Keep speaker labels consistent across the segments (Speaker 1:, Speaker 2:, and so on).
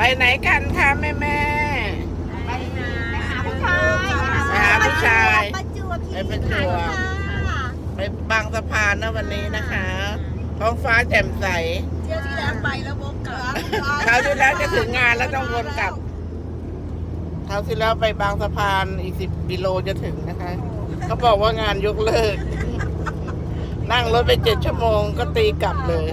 Speaker 1: ไปไหนกันคะแม่
Speaker 2: ไปหาผู้ชาย
Speaker 1: ไปหาผู้ชาย
Speaker 2: ประจวบ
Speaker 1: ไปประจวบ ไปบางสะพานนะวันนี้นะคะ ท้องฟ้าแจ่มใส
Speaker 2: เที่ยวที่แล้วไปแล้ววกกลับ
Speaker 1: คราวที่แล้วจะถึงงานแล้วต้องวนกลับคราวที่แล้วไปบางสะพานอีก10 กิโลจะถึงนะคะเขาบอกว่างานยกเลิก นั่งรถไป7 ชั่วโมงก็ตีกลับเลย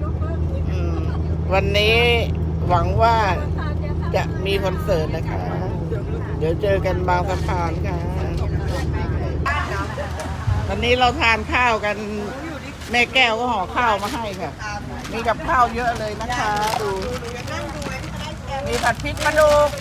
Speaker 1: วันนี้หวังว่าจะมีคอนเสิร์ตนะคะ เดี๋ยวเจอกันบางสะพานค่ะวันนี้เราทานข้าวกันแม่แก้วก็ห่อข้าวมาให้ค่ะ มีกับข้าวเยอะเลยนะคะดูมีผัดพริกปลาดุก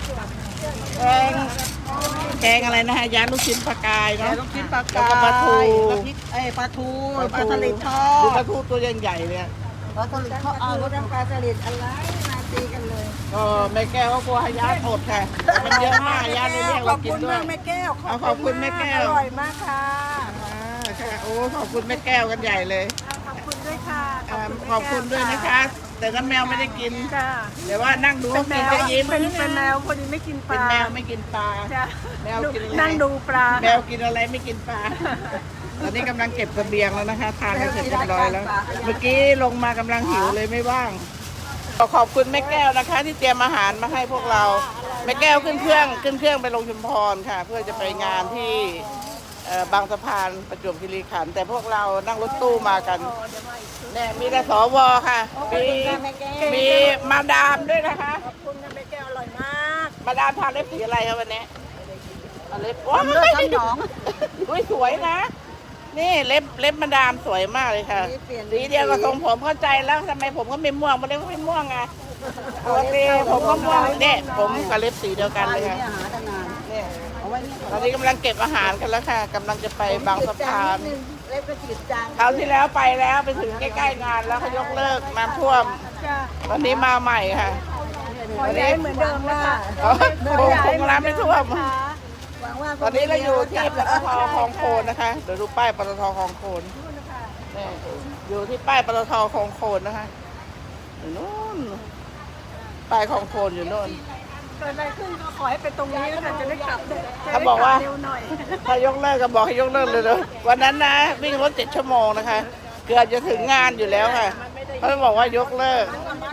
Speaker 1: แกงอะไรนะฮะยาลูกชิ้นปลากายเนาะ
Speaker 2: ลูกชิ้นปลาก
Speaker 1: แล้วก็ปลาทู
Speaker 2: ปลาทูปลาสลิดทอ
Speaker 1: ดู
Speaker 2: ด
Speaker 1: ปลาทูตัวใหญ่ๆเนี่ย
Speaker 2: ปลาสลิดทอดรสน้ำปลาสลิดอะไรมาตีกันเลย
Speaker 1: ก็แม่แก้วก็กลัวให้ญาติอดค่ะ มันเยอะมากญาติเลยเรียกเรากินด้วย
Speaker 2: แม่แก้ว
Speaker 1: ขอบคุณแม่แก้ว
Speaker 2: อร่อยมากค่ะ
Speaker 1: ค่ะโอ้ขอบคุณแม่แก้วกันใหญ่เลย
Speaker 2: ขอบคุณด้วยค่ะ
Speaker 1: ขอบคุณด้วยนะคะ แต่น้ำแมวไม่ได้กิน
Speaker 2: จ้า
Speaker 1: แต่ว่านั่งดูเขากินก็ยิ้ม
Speaker 2: เป็นแมวพอดีไม่กินป
Speaker 1: เป็น
Speaker 2: ลา
Speaker 1: แมวไม่กินปลา
Speaker 2: จ้ะ
Speaker 1: แมวกินอะไร
Speaker 2: นั่งดูปลา
Speaker 1: แมวกินอะไรไม่กินปลา ตอนนี้กำลังเก็บเสบียงแล้วนะคะ ทานกันเสร็จเรียบร้อยแล้ว เมื่อกี้ลงมากำลังหิวเลยไม่ว่าง ขอบคุณแม่แก้วนะคะ ที่เตรียมอาหารมาให้พวกเราแม่แก้วขึ้นเครื่องไปลงชุมพรค่ะ เพื่อจะไปงานที่บางสะพานประจวบคีรีขันธ์แต่พวกเรานั่งรถตู้มากันเนี่ยมีแต่สวค่ะมีมาดามด้วยนะคะ
Speaker 2: ขอบคุณนะแม่แก้วอร่อยมาก
Speaker 1: มาดามทาเล็บสีอะไรครับวันนี้เล็บ
Speaker 2: ทำเลือดทำหนอง
Speaker 1: อุ้ยสวยนะ นี่เล็บมาดามสวยมากเลยค่ะสีเดียวกับทรงผมเข้าใจแล้วทำไมผมก็ไม่ม่วงมาเล็บก็ไม่ม่วงไงปกติผมก็ม่วงเนี่ยผมกับเล็บสีเดียวกันเลยค่ะ
Speaker 2: หาตั้งนาน
Speaker 1: เนี่ย
Speaker 2: เอาไว้นี่
Speaker 1: ตอนนี้กำลังเก็บอาหารกันแล้วค่ะกำลังจะไปบางสะพาน
Speaker 2: เล็บกระจิตจาง
Speaker 1: คราวที่แล้วไปแล้วไปถึงใกล้ๆงานแล้วเขายกเลิกน้ำท่วม
Speaker 2: จ้า
Speaker 1: วันนี้มาใหม่ค่ะ
Speaker 2: ขอย้ายเหมือนเดิมนะคะ
Speaker 1: คงน้ำไม่ท่วม
Speaker 2: หวังว่า
Speaker 1: ตอนนี้เราอยู่ที่ปตทคลองโคนนะคะเดี๋ยวดูป้ายปตทคลองโคนนี่อยู่ที่ป้ายปตทคลองโคนนะคะอยู่นู่นป้ายคลองโคนอยู่นู่น
Speaker 2: เกิดอะไรขึ้นก็ขอให้เป็นตรงนี้นะคะจะได้กลับ
Speaker 1: เขาบอกว่า
Speaker 2: เร็วหน่อย
Speaker 1: ถ้ายกเลิกก็บอกให้ยกเลิกเลยเลยวันนั้นนะวิ่งรถ7 ชั่วโมงนะคะ เกือบจะถึงงานอยู่แล้วค่ะเขาบอกว่ายกเลิก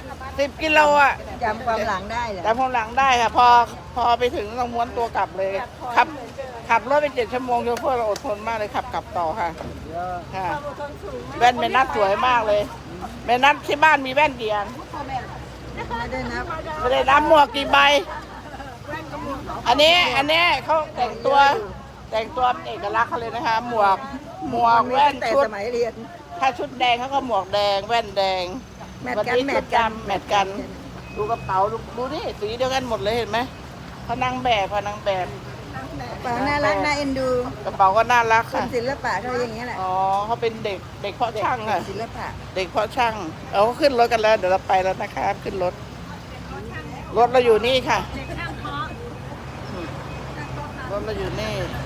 Speaker 1: 10 กิโลอ่ะ
Speaker 2: จำความหลังได้เหรอ
Speaker 1: แต่พอหลังได้ค่ะ พอไปถึงต้องม้วนตัวกลับเลยขับรถไป7 ชั่วโมงโชเฟอร์เราอดทนมากเลยขับกลับต่อค่ะค่ะแว่นเมนัทสวยมากเลยเมนัทที่บ้านมีแว่นกี่อัน
Speaker 2: ไม่ได้นับ
Speaker 1: ไม่ได้นับหมวกกี่ใบ อันนี้เขาแต่งตัวเป็นเอกลักษณ์เขาเลยนะคะ หมวกแว่น
Speaker 2: แต่
Speaker 1: ชุด
Speaker 2: สมัยเรียน
Speaker 1: ถ้าชุดแดงเขาก็หมวกแดงแว่นแดง
Speaker 2: แมท
Speaker 1: วัน
Speaker 2: กัน
Speaker 1: นี้
Speaker 2: แม
Speaker 1: ชุ
Speaker 2: ท
Speaker 1: ด
Speaker 2: กัน
Speaker 1: ดำแมทกัน ดูกระเป๋าดูนี่สีเดียวกันหมดเลยเห็นไหมพนังแบบ
Speaker 2: ปาน่ารักน่าเอ็นดู
Speaker 1: กระเป๋าก็น่ารัก
Speaker 2: คน
Speaker 1: ค่ะ
Speaker 2: ศิลปะเขาอย่างเงี้ยแหละ
Speaker 1: อ๋อเขาเป็นเด็กเพาะช่างค่ะ
Speaker 2: ศิลปะ
Speaker 1: เด็กเพาะช่างเอาเขาขึ้นรถกันแล้วเดี๋ยวเราไปแล้วนะคะขึ้นรถเราอยู่นี่ค่ะรถเราอยู่นี่